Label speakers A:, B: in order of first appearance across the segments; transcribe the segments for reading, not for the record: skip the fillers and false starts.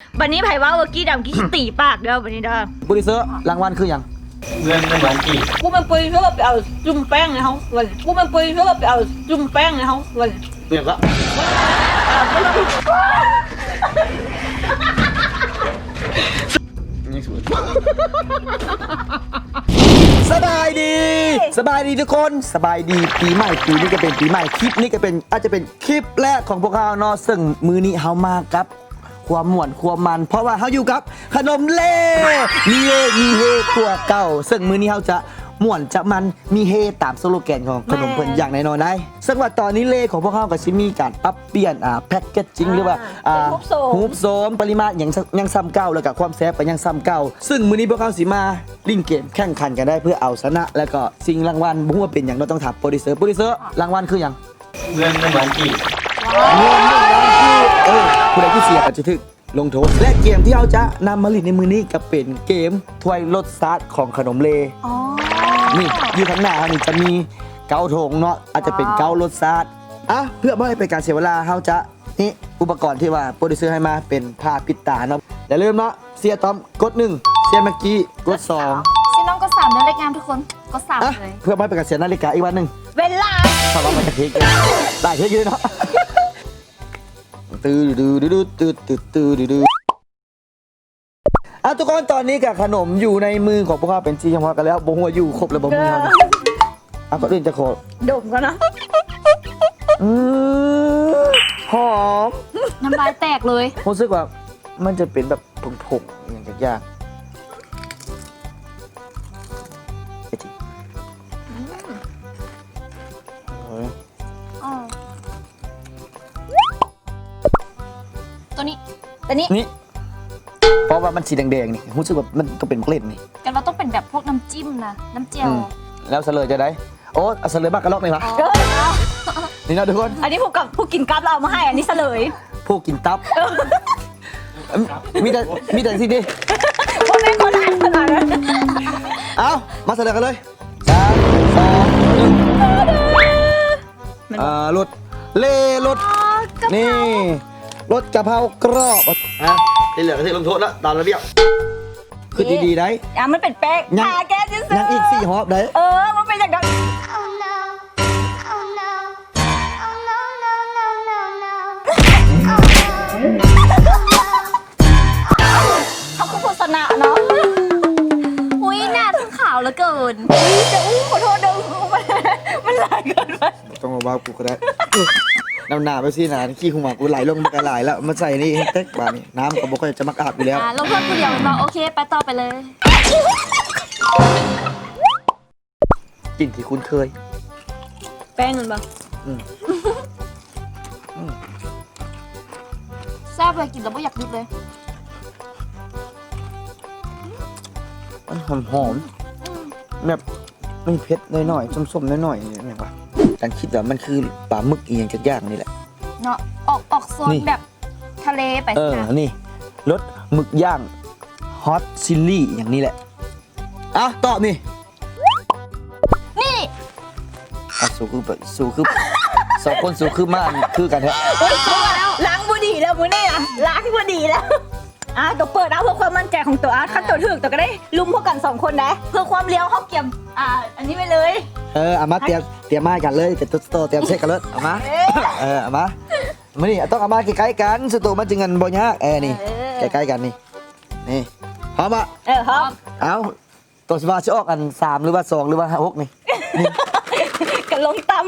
A: บันนี้ไผ่ว่าเมื่อกี้ดำกี้ตีปากเด้อบันนี้เด้อ
B: โปรดิวเซอร์รางวัลคืออย่าง
C: เงินไม่เหมือนกี่
A: กูมันปุยเพื่อไปเอาจุ่มแป้งในห้องวันกูมันปุยเพื่อไปเอาจุ่มแป้งในห้องวัน
B: เปลี่ยนละสบายดีสบายดีทุกคนสบายดีปีใหม่ปีนี้ก็เป็นปีใหม่คลิปนี้ก็เป็นอาจจะเป็นคลิปแรกของพวกเราเนาะซึ่งมือนี้เฮามากับความม่วนความมันเพราะว่าเฮาอยู่กับขนมเล่มีเฮตัวเก่าซึ่งมือนี้เฮาจะม่วนจะมันมีเฮตามสโลแกนของขนมเพิ่นอย่างแน่นอนได้ซึ่งว่าตอนนี้เล่ของพวกเขาก็สิมีการปรับเปลี่ยนแพ็กเกจจิ้งหรือว่าฮูปโซมปริมาตรยังซ้ำเก่าแล้วก็ความแซ่บก็ยังซ้ำเก่าซึ่งมื้อนี้พวกเขาสิมาลิ่นเกมแข่งขันกันได้เพื่อเอาชนะแล้วก็สิ่งรางวัลบ่ฮู้ว่าเป็นหยังเราต้องถามโปรดิวเซอร์รางวัลคือหยัง
C: เงินไม่เหมือนกี่
B: เงิน1 ล้านคือผู้ใดที่เสียก็จะถูกลงโทษและเกมที่เราจะนำมาเล่นในมื้อนี้ก็เป็นเกมถ้วยรสชาติของขนมเลนี่อยู่ข้างหน้านี่จะมีเกาโถงเนาะอาจจะเป็นเการสชาติเพื่อไม่ให้เป็นการเสียเวลาเราจะนี่อุปกรณ์ที่ว่าโปรดิวเซอร์ให้มาเป็นผ้าปิดตาเนาะอย่าลืมเนาะเสียต้อมกด1เสียเมื่อกี้กด2
D: ซีน้องก็3เดือนเล็กงามทุกคนก็3เลย
B: เพื่อไม่ให้เป็นการเสียนาฬิกาอีกวันหนึ่ง
A: เวลา
B: สำหรับมันจะเทคได้เทคเลยเนาะตื้อทุกคนตอนนี้กับขนมอยู่ในมือของพวกเขาเป็นที่เฉพาะกันแล้วบ่ฮู้ว่าอยู่ครบแล้วบ่มีเฮานะก็อื่นจะขอ
A: ดมกันนะ
B: หอม
D: น้ำลายแตกเลย
B: รู้สึกว่ามันจะเป็นแบบผงๆอย่างยาก
D: ตัวนี้
B: นี่เพราะว่ามันสีแดงๆนี่รู้สึกว่ามันก็เป็นเกล็ดนี่
D: กันเราต้องเป็นแบบพวกน้ำจิ้มนะน้ำเจียว
B: แล้วเฉลยจะได้โอ้เฉลยบ้างกระลอกไหมวะนี่นะทุกคน
A: อันนี้ผู้กินกราฟเราเอามาให้อันนี้เฉลย
B: ผู้กินตับมีแต่ที่นี่
A: พวกแม่คนอ่านขนาดนั้น
B: เอามาเฉลยกันเลย3 2 1รสเล่รสนี่รสกะเพรากรอบที่เหลือก็ที่ลงโทษแล้วตามระเบียบคือดีๆได้
A: มันเป็นแป้งทาแก้จิ้ม
B: ยังอีก4 ฮอบได้
A: มันเป็นอย่างนั้น
E: Oh no. Oh no. Oh no, no, no, no, no. Oh no.
A: เขาคือโฆษณาเนาะ
D: อุ้ยหน้าทั้งขาวเหลือเกิน
A: จะขอโทษเด้อมันหลายเกินไป
B: ต้องมาบ้ากูก็ได้น้ำหนาไปสินะขี้หูหมากูไหลลงมันก็ไหลแล้วมาใส่นี่เต็กบานี่น้ำก็บอกว่าจะมักอาบอยู่แล้ว
D: ลงโทษผู้เดียวเราโอเคไปต่อไปเลย
B: กลิ่นที่คุ้นเคย
A: แป้งมันปะ
D: แซ่บเลยกินแล้วไม่อยากหยุดเลย
B: มันหอมแบบไม่เผ็ดหน่อยๆส้มๆหน่อยๆนี่วะการคิดว่ามันคือปลาหมึกเอียงจากย่างนี่แหละ
D: เนาะออกโซน
B: นี่
D: แบบทะเลไปสินะ
B: นี่รสหมึกย่างฮอตซิลลี่อย่างนี้แหละตอบนี่
D: นี่
B: สู้คือสองคนสู้คือมากคือกันแท้
A: ล้างบุหรี่แล้วมือนี่อะล้างบุหรี่แล้วตัวเปิดเอาเพื่อความมั่นใจของตัวขั้นตัวถึกตัวก็ได้ลุมพวกกัน2 คนนะเพื่อความเลี้ยวเขาเกี่ยมอันนี้ไปเลย
B: เอามาเตรียมมากันเลยเตรียมเช็คกันเลยเอามาเอามาไม่นี่ต้องเอามาใกล้ๆกันสตูมันจึงเงินบ่ยากนี่ใกล้ๆกันนี่พร้อมอ่ะ
A: พร้อม
B: เอาตัวสิว่าจะออกกัน3หรือว่า2หรือว่า6นี่
A: กันลงตำ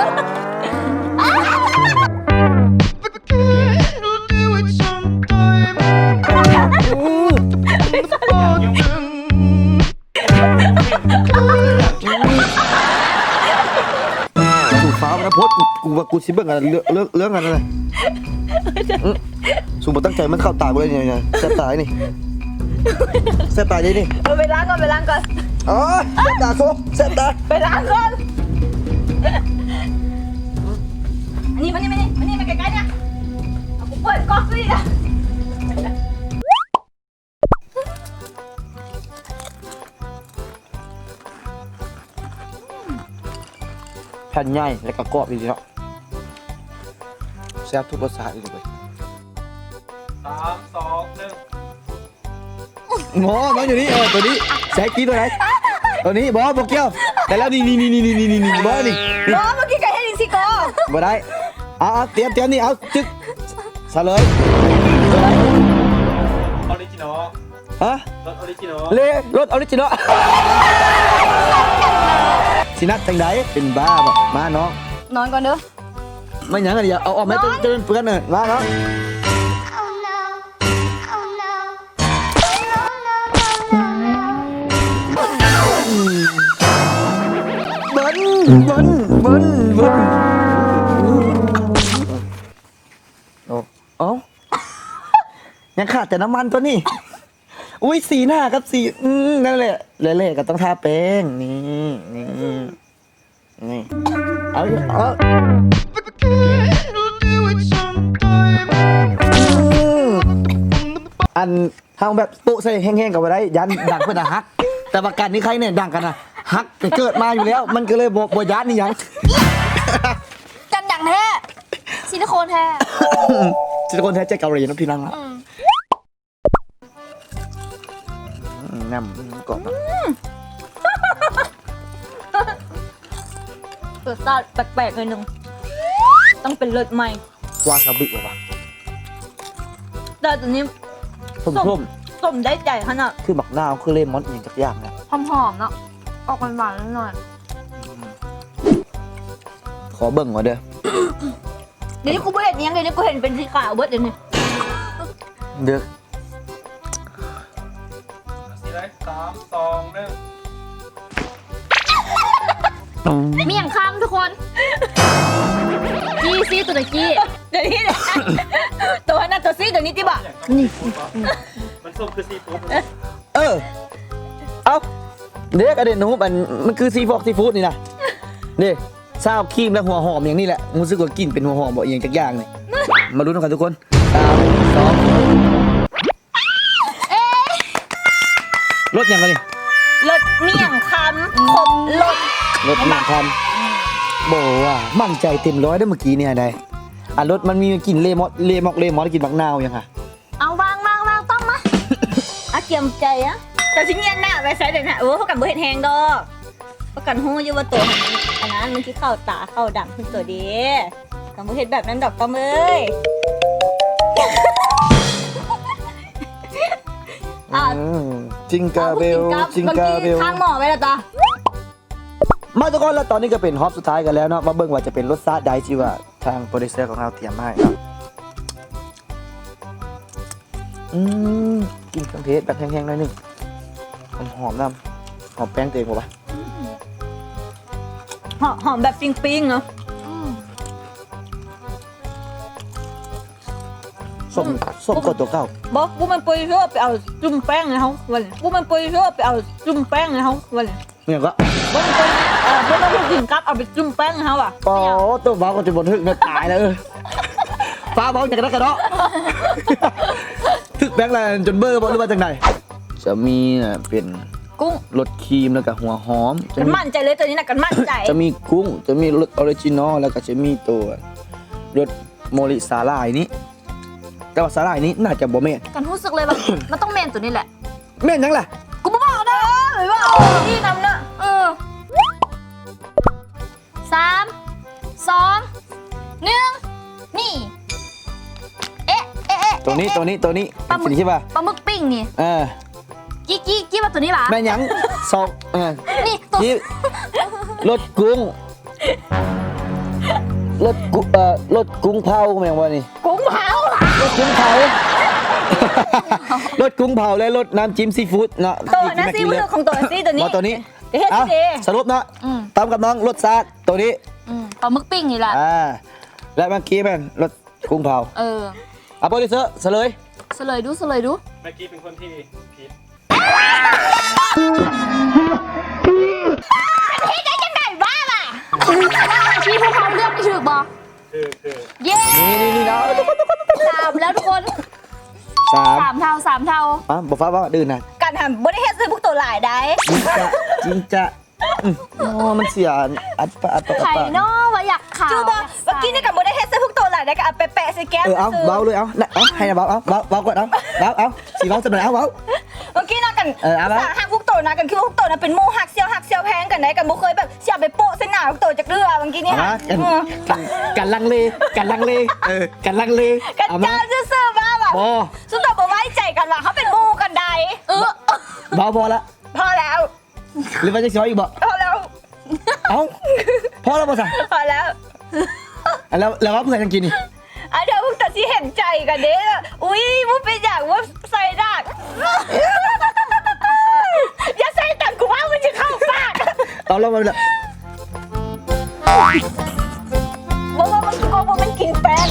B: สูฟ้ามันพดกูว่ากูสิเบิ่งกันเรื่องกันอะไรสูบตั้งใจมันเข้าตากูเลยเนี่ยแซ่บตายนี่แซ่บตายดินี่
A: ไปล้างก่อน
B: อ๋อแซ่บตาโซ่แซ่บตา
A: ไปล้างก่อนอันนี้มาใกล้ๆเนี่ยเอากูเปิดก๊อกสิอ่ะ
B: แผ่นใหญ่แล้วก็กรอบดีเนาะแซ่บทุกรสชาติเลย
C: 3 2 1
B: หมอน้องอยู่นี่ตัวนี้แซกกี้ตัวไหนตัวนี้บอบอกเกี้ยวแต่แล้วนี่บอนี่
A: บอเมื่อกี้ไก่ให้ลินซิโก้
B: บ่ได้เอาเตรียมนี่เอาจึ๊กเฉลย
C: ออริจินอล
B: ฮะ
C: รถออริจินอล
B: เลรถออริจินอลสินัดจังไดเป็นบ้าบ่มาน้อง
D: นอนก่อนเด้อ
B: ไม่หยังกันอย่าเอาออกมาจนเปื้อนเลยมาน้อง
E: Oh no. Oh no. No, no, no, no, no.
B: เบิ้ลโอ้ยังขาดแต่น้ำมันตัวนี้อุ้ยสีหน้าครับสีนั่นแหละเละๆก็ต้องทาแป้งนี่เอาอันทางแบบโปะใส่แห้งๆกับไว้ได้ยันดังเพื่อนอะฮักแต่ประกันนี้ใครเนี่ยดังกันนะฮักแต่เกิดมาอยู่แล้ว มันก็เลยบยันนี่ยัง
D: กันดังแท้ซิลิโคนแท้
B: ซิลิโคนแท้ใจเกาหลีนะพี่นังละน้ำกรอบนะ
A: รสชาติแปลกๆหน่อยนึงต้องเป็นรสใหม่
B: วาซาบิเหรอวะ
A: แต่ตัวนี้
B: ส้ม
A: ส้มได้ใจขนาด
B: ๆคือบักนาวคือเลมอนอย่างจักอย่างนะ
D: หอมๆเนาะออกหวานๆหน่อย
B: ขอเบิ่งก่อนเด้อ
A: เดี๋ยวนี้กูไม่เห็นยังเดี๋ยวนี้กูเห็นเป็นสีขาวเบิดเดี๋ยวนี้
B: เด้อ
C: สีไร3 2 1
D: มีอย่างข้ามทุกคนกี้ซี่ตัวตะกี้
A: เดี๋ยวนี้เนี่ยตัวนั้นตัวซีเดี๋ยวนี้ที่บ่ะ
D: นี่
C: มันส้มคือซีฟู้ด
B: เอาเด็กอะเด็นนูมันคือซีฟู้ดนี่นะนี่ซาวครีมและหัวหอมอย่างนี้แหละรู้สึกว่ากินเป็นหัวหอมบ่อย่างจักอย่างนี่มาลุ้นกันทุกคน3 2รสยังไงนี่
A: รสเมี่ยงคำขมรส
B: รถมันทำบอกว่ามั่นใจเต็มร้อยได้เมื่อกี้เนี่ยได้รถมันมีกลิ่นเลมอนกลิ่นบักนาวยังค่ะ
D: เอาวางต้องมา
A: อ่ะเกียมใจอ่ะแต่ชิ้นเงี้ยหน้าไปใส่เดี๋ยวนะพวกกันบ่เห็นแหงดอกพวกกันหู้อยู่ว่าตัวอันนั้นมันคือเข้าตาเข้าดำคือตัวดีกันบ่เห็นแบบนั้นดอกต้อมเอ้ย
B: จิงกาเบลจิงกาเบล
A: ทางหมอไว้แล้วจ้ะ
B: มาทุกคนแล้วตอนนี้ก็เป็นฮอปสุดท้ายกันแล้วเนาะมาเบิ่งว่าจะเป็นรสชาติใดที่ว่าทางโปรดิวเซอร์ของเราเตรียมมาให้เนาะกินเครื่องเทศแบบแห้งๆหน่อยหนึงหอมน้ำหอมแป้งตัวเองป่ะ
A: หอมแบบปิ้งๆเนาะ
B: ส้มกดตัวเก่า
A: บอกกูมันปุยชั่วไปเอาจุ่มแป้งในเขาวันกูมันปุยชั่วไปเอาจุ่มแป้งในเขาวัน
B: เนี่ยก็
A: บ่มันปุยบ่ต้องกินกับเอาไปจุ่มแป้งในเขาอ่ะ
B: ปอตัวฟ้าก็จะบนทึกเนี่ยตายแล้วฟ้าเบาจากกระดาษทึกแบงค์อะไรจนเบอร์บอกหรือว่าจากไหนจะมีเป็น
A: กุ้ง
B: รสครีมแล้วก็หัวหอม
A: กันมั่นใจเลยตัวนี้นะกันมั่นใจ
B: จะมีกุ้งจะมีรสออริจินอลแล้วก็จะมีตัวรสโมริสาหร่ายนี้แต่ว่าสาหร่ายนี้น่าจะบ่แม่น
D: กันรู้สึกเลยว่ามันต้องเมนตัวนี้แหละ
B: แม่นยังล่ะ
D: กูไม่บอกนะ
A: หรือว่าที่นำนะ
D: 3 2 1นี่เอ๊ะ
B: ตัวนี้
D: ปลาหมึก
B: สิใช่ป่ะ
D: ปลาหมึกปิ้งนี่ กี้ว่าตัวนี้หรอ
B: แม่นยังสอง
D: นี่ตัว
B: นี่รสกุ้งรสกุ้งเผาแม่งว่านี่
A: กุ้งเผาร
B: สกุ้งเผารสกุ้งเผาและรสน้ำจิ้มซีฟู้ดเนาะ
A: ตัวนะซีมือของตัวซีตัวนี้
B: มาตัวนี้
A: เดี๋ยวเฮ็ด
B: เอา
A: สิ
B: สรุปนะตามกับน้องรสชาติตัวนี้
D: ปลาหมึกปิ้งนี่แหละ
B: และเมื่อกี้แม่นรสกุ้งเผาโปรดิวเซอร์เฉลย
D: เฉลยดู
C: เมื่อกี้เป็นคนที่ผิด
D: ชี้พวกเขาเลือกไม่ถูกบอ
C: คือ
D: เย้
B: นี่นะ
D: 3แล้วทุกคน
B: 3
D: 3 เท่า
B: บอกฟ้าว่าดื่นนะ
A: การทำบริเฮ็ดซื้อพวกตัวหลายได้
B: จริงจะโอ้มันเสียอัดปะ
D: ไข่นอว่าอยากขาว
A: จูบเมื่อกี้นี่กับบริเฮ็ดซื้อพวกตัวหลายได้ก็เอาไปแปะใส่แก้ม
B: เอาเบาเลยเอาให้นะเบาก่อนเอาสีเบาจะหน่อยเอา
A: เมื่อกี้นะกัน
B: เอาละ
A: สาหักพวกโตนะกันคือพวกโตนะเป็นหมู่หักเซียวแพงกันได้กันบ่เคยแบบเสียไปโปะเส้นหนาพวกโตจากเรือเมื่อกี้นี่
B: เอา
A: ค่ะ
B: มากันลังเลกันลังเลกันลังเล
A: กัน
B: เอามา
A: จ้าซื่อๆมาแบบ
B: บอ
A: สุดโตบ่ไว้ใจกันว่าเขาเป็นหมู่กันใด
B: บอพอละ
A: พอแล้ว
B: หรือว่าจะซอยอีกบ่
A: พอแล้ว
B: เอ้าพอแล้วบ่สั่ง
A: พอแล้ว
B: แล้วว่าเพื่อนยังกินนี่
A: อ่ะเดี๋ยวพวกตัดสิเห็นใจกันเด้ออุ้ยมุกเป็นอย่างว่าใส่ดากอย่าใส่ตังกูว่ามันจะเข้าปาก
B: เอาแล้วมาเลย
A: บอกว่ามันกลัวว่ามันกินแป้ง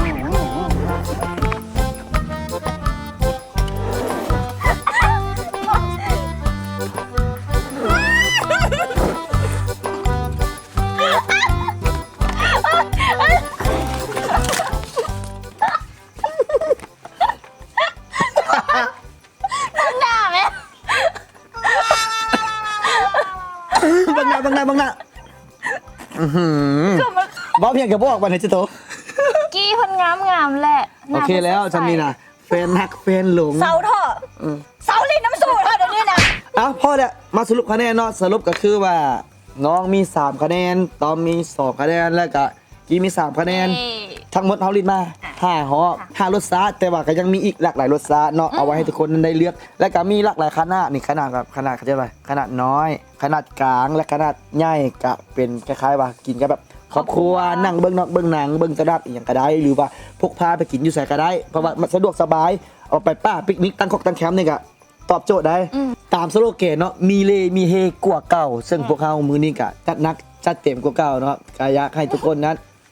A: หน้าไหม
B: บังหน้าบ้าเพียงกับบอกวันไหนจะโต
D: กี้เพันงามแหละ
B: โอเคแล้วจำนี่นะแฟนฮักแฟนหลง
A: เสาเถอะเสาลิ้นน้ำสูตรเถอะเดี๋ยวนี้นะ
B: เอ้าพ่อเนี่ยมาสรุปคะแนนเนาะสรุปก็คือว่า น้องมี3คะแนนตอมมี2คะแนนแล้วก็กีมี3คะแนน ทั้งหมดเฮาลินมา5ห่อ5รสชาติแต่ว่าก็ยังมีอีกหลากหลายรสชาติเนาะเอาไว้ให้ทุกคนนั้นได้เลือก และก็มีหลากหลายขนาดนี่ขนาดแบบขนาดเขาเรียกว่าขนาดน้อย ขนาดกลางและขนาดใหญ่ก็เป็นคล้ายๆว่ากินกับแบบครอบครัวนั่งเบิ่งนอกเบิ่งหนังเบิ่งตลาดอีหยังก็ได้หรือว่าพกพาไปกินอยู่ไสก็ได้เพราะว่ามันสะดวกสบายเอาไปป้าปิกนิกตั้งคอกตั้งแคมป์นี่ก็ตอบโจทย์ได้ตามสโลแกนเนาะมีเลมีเฮกว่าเก่า ซึ่งพวกเขามื้อนี้ก็จัดหนักจัดเต็มกว่าเก่าเนาะก็อยากให้ทุกคนนั้น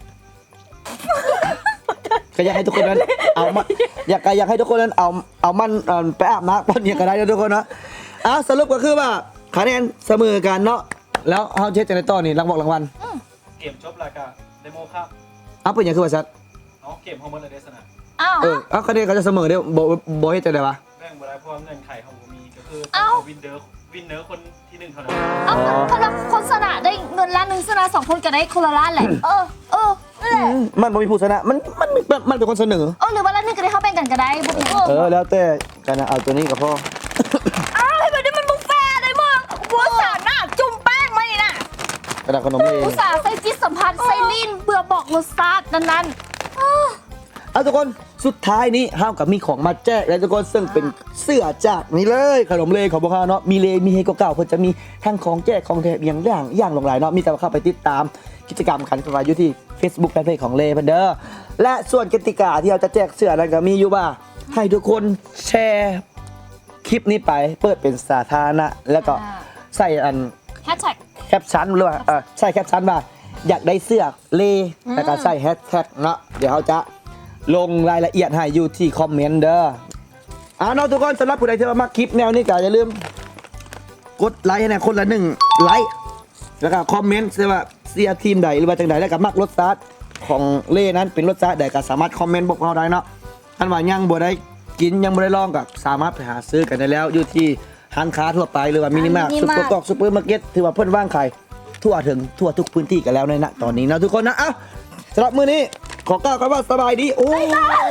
B: ก็อยากให้ทุกคนนั้นเอามาอยากให้ทุกคนนั้นเอามันไปอาบน้ำตอนนี้ก็ได้นะทุกคนเนาะสรุปก็คือว่าคะแนนเสมอกันเนาะแล้วเฮาเช็ดจังได๋ต่อนี่รางวัล
C: เกมจบแล้วก็เดโมครับ
B: เป็นหยังคือว่าซัด
C: น้องเกมฮอร์โมนเดสนะ
D: อ้าว
B: คะแนนเขาจะเสมอเด้อบ่เฮ็ดจังได๋วะ
C: แบ่งเวลาเพราะว่าเงื่อนไขของผมมีก็คือ
D: เอ้า
C: วินเนอร์คนที่1เท่านั้น
D: เอ้าสำหรับคนชนะได้เงินล้านหนึ่งชนะ2 คนก็ได้คนละล้านแหละนั่นแหละ
B: มันบ่มีผู้ชนะมันเป็นคนเสนอ
D: หรือว่าล้านหนึ่งก็ได้เข้าแบ่งกันก็ได้บุก
B: แล้วแต่กันนะเอาตัวนี้ก็พอ
A: อ้าวให้มันได้มันบุฟเฟ่ต์เลยมึงบัวสาหน้าจุ่มแป้งมานี่นะ
B: กระดาษขนมเอง
D: อุตส่าห์ใส่จิตสัมพันธ์ใส่ลิ้นเบื่อบอกรสชาตินั้น
B: ทุกคนสุดท้ายนี้เฮากับมีของมาแจกแล้วทุกคนซึ่งเป็นเสื้อจากนี่เลยขนมเลของพวกเขาเนาะมีเลมีเฮเก่าๆเพิ่นจะมีทั้งของแจกของแถมอย่างหลากหลายเนาะมีแต่ว่าเข้าไปติดตามกิจกรรมขันกันไว้อยู่ที่ Facebook แฟนเพจของเลเพิ่นเด้อและส่วนกติกาที่เราจะแจกเสื้อนั้นก็มีอยู่ว่าให้ทุกคนแชร์คลิปนี้ไปเปิดเป็นสาธารณะแล้วก็ใส่อัน
D: ๆแฮชแท็ก
B: แคปชั่นหรือว่าใช่แคปชั่นว่าอยากได้เสื้อเลแล้วก็ใส่แฮชแท็กเนาะเดี๋ยวเขาจะลงรายละเอียดให้อยู่ที่คอมเมนต์เด้อเนาะทุกคนสำหรับผู้ใดที่มาคลิปแนวนี้ก็อย่าลืมกดไลค์ให้นะคนละ1ไลค์แล้วก็คอมเมนต์ว่าเสื้อทีมใดหรือว่าจังใดแล้วก็มักรสชาติของเล่นั้นเป็นรสชาติใดก็สามารถคอมเมนต์บอกเราได้เนาะอันว่ายังบ่ได้กินยังบ่ได้ลองก็สามารถไปหาซื้อกันได้แล้วอยู่ที่ร้านค้าทั่วไปหรือว่ามินิมาร์ทซุปเปอร์กอกซุปเปอร์มาร์เก็ตถือว่าเพิ่นว่างขายทั่วทุกพื้นที่กันแล้วในณตอนนี้นะทุกคนนะสำหรับมื้อนี้ขอกล่าวคำว่าสบายดีโอ้ย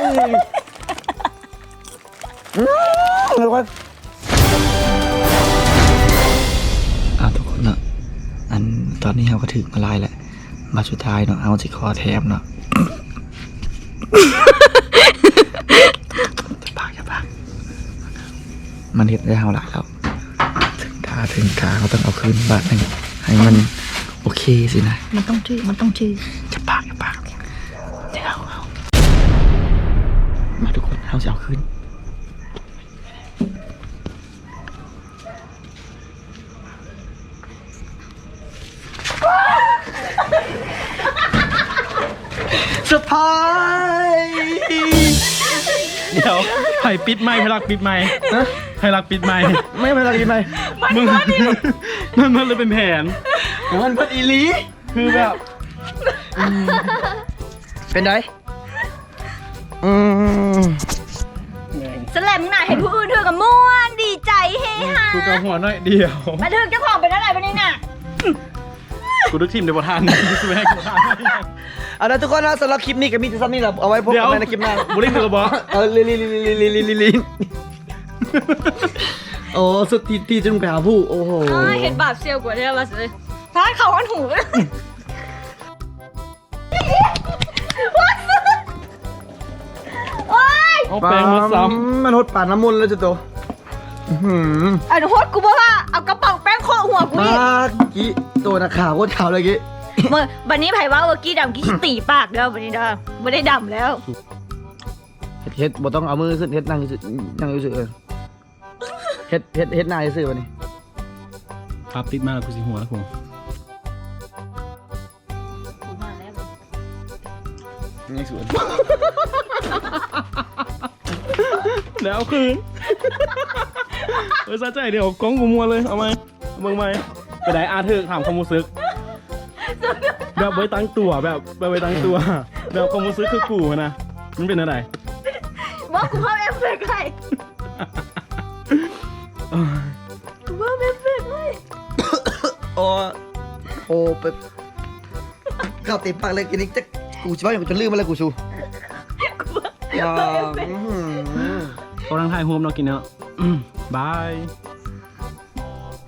B: ทุกคนทุกคนเนาะอันตอนนี้เราก็ถึงมาลายแหละมาสุดท้ายเนาะเอาสิคอแถมเนาะจะปากมันเห็นได้เท่าไหร่แล้วถึงขาเขาต้องเอาคืนบาทหนึ่งให้มันโอเคสินะมันต้องชื่อจะปากเดี๋ยวเอามาทุกคนเอาจะเอาคืนสะพาย
C: เดี๋ยวไผ่ปิดไม้ไผ่รักปิดไม้ไผ่รักปิดไม้
B: ไม่เป็นไรกินไหม
C: มึงมันเลยเป็นแผน
B: มันเป็นอีลี
C: คือแบบ
B: เป็นไง
A: สแลมหน่าเห็นผู้อื่นเธอกับม่วนดีใจเฮฮา
C: กูกับหัวน้อยเดียว
A: มาถึงเจ้าของเป็นอะไรไปนี่น่ะ
C: กูทุกทีมเดี๋ยวบทานกูไม่ให้กูทาน
B: เอาละทุกคนนะสำหรับคลิปนี้กับมีที่ซ้ำนี่เราเอาไว้พบกันในคลิปหน้า
C: บุรีถือกระบอก
B: ลิโอ้สุดที่จะลงไปหาผู้โอ้โห
A: เห็นบาปเซียวกว่าได้มาสิท้ายเขาอันหูโอ๊ย
C: เอาแปรงมาซ้
B: มันหดป่านน้ำมนต์แล้วจ้ะตัวอื้อหือ
A: อันโคตรกูบอกว่าเอากระเป๋าแป้งโคหัวกู
B: มา
A: อีก
B: กี้ตัวนักข่าวโคตรข่าวเลยกี้
A: เมื่อวันนี้ไผ่ว่าเมื่อกี้ดำกี้ตีปากแล้ววันนี้ดำไม่ได้ดำแล้ว
B: เฮ็ดบ่ต้องเอามือขึ้นเฮ็ดนั่งซื่อนั่งซื่อเฮ็ดหน้าซื่อวันนี้
C: ำภาพติดมากกูสิหัวแล้วกู
B: นี่สวย
C: แล้วคืนเออซะใจเดี๋ยวกล้องกูมัวเลยเอาไหมเบิ่งไหมไปไหนอาเธอถามความรู้สึกแบบไว้ตั้งตัวแบบไว้ตั้งตัวแบบความรู้สึกคือกูนะมันเป็นอะไร
A: บอกกูเพิ่มเอฟเฟกต์ให้กูเพิ่มเอฟเฟกต์ให้
B: โอ้ไปข้าวเต็มปากเลยกินนี่จะกูชิบะอย่างกูจะลืมมาแล้วกูชูอย่า
C: กำลังถ่ายโฮมเรากินเนาะบาย